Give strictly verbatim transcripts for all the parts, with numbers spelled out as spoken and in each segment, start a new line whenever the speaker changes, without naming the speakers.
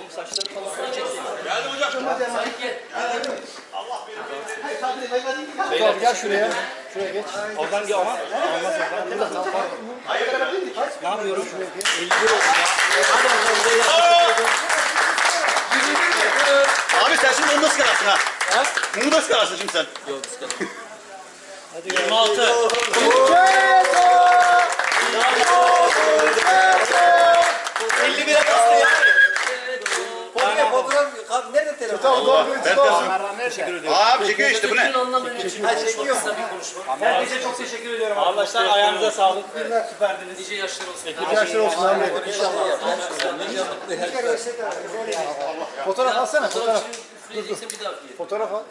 Oğlum saçları falan çeksin.
Geldim hocam.
Geldim.
Allah benim.
Beyler gel şuraya. Şuraya geç.
Oradan gel ama. Olmaz oradan. Burada tam var. Ne yapıyorum? elli bir oldu ya. Hadi bakalım beyler.
Abi sen şimdi onu nasıl kararsın ha?
Ha?
Bunu nasıl kararsın şimdi sen?
Yok sıkıntı.
Hadi gel.
yirmi altı. elli bire bastı ya.
Fotoğraf, fotoğraf, nerede telefon?
Allah. Ben de
Teşekkür ediyorum.
Abi çekiyor işte bu ne?
Ha çekiyor.
Herkese çok teşekkür ediyorum arkadaşlar. Ayağınıza sağlık. Süperdiniz. Nice yaşlar olsun.
İki yaşlar olsun abi.
İnşallah.
Fotoğraf alsana fotoğraf.
Üfleyeceksin bir daha üfleyelim.
Fotoğraf al.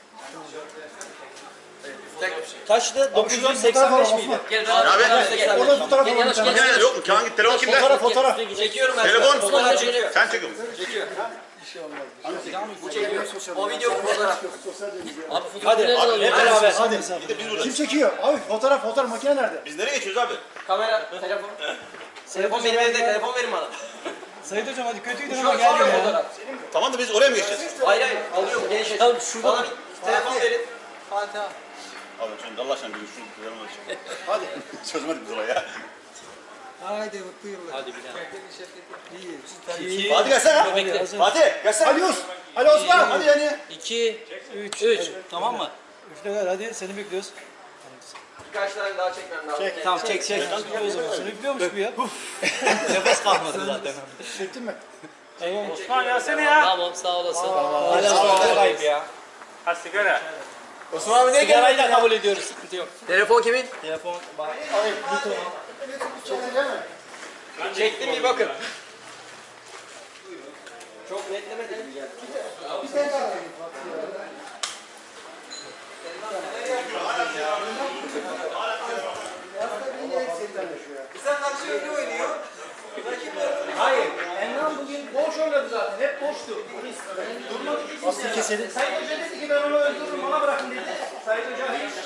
Kaçtı?
Abi şuradan
dokuz yüz seksen beş
fotoğraf al,
miydi?
Abi.
Gel beraber.
Orada fotoğraf
Gel
al.
yanaş gel.
Makineler yok mu? Kağıt telefon kimde?
Fotoğraf fotoğraf.
Çekiyorum ben.
Telefon.
Fotoğraf çekiyor.
Sen çekiyorsun.
Çekiyor. Bu çekiyor. O video bu fotoğraf.
Hadi hep beraber.
Hadi.
Bir de biz burada.
Kim çekiyor? Abi fotoğraf fotoğraf makine nerede?
Biz nereye geçiyoruz abi?
Kamera, telefon. Telefon benim evde, telefon verin bana.
Sayın hocam hadi kötüydü
Şu an çekiyor fotoğraf.
Tamam da biz oraya mı geçeceğiz?
Hayır hayır, alıyorum geniş açı.
Tamam, şurada-
Bana bir telefon verin. Fatiha.
Abi şimdi Allah aşkına bir şunu kullanalım hadi. Hadi. Çözmedik biz olayı ya.
Haydi mutlu yıllar.
Hadi bir daha.
İyi.
Fatih gelsene.
Bekle.
Fatih gelsene.
Ali Uz. Ali Osman. Hadi yani.
iki, üç, üç. Tamam mı?
Üfle ver hadi seni bekliyoruz.
Birkaç tane daha çekmem lazım.
Çek.
Tamam çek çek.
O zaman seni bekliyormuş bu ya.
Nefes kalmadı zaten.
Çektin mi?
Osman gelsene ya.
Tamam sağ olasın.
Hala ayıp ya. Ha sigara.
Osman abi ne
Sigarayı da kabul ediyoruz. Sıkıntı yok.
Telefon kimin?
Telefon bak.
Çektim bir bakın. Çok netlemedi gibi geldi. Sen karşı önde oynuyor.
Hayır. Enlan bugün boş oynadı zaten. Hep boştu. Durmadı ki.
Aslı keselim.
Sayın Hoca dedi ki ben onu öldürürüm bana bırakın dedi. Sayın Hoca hiç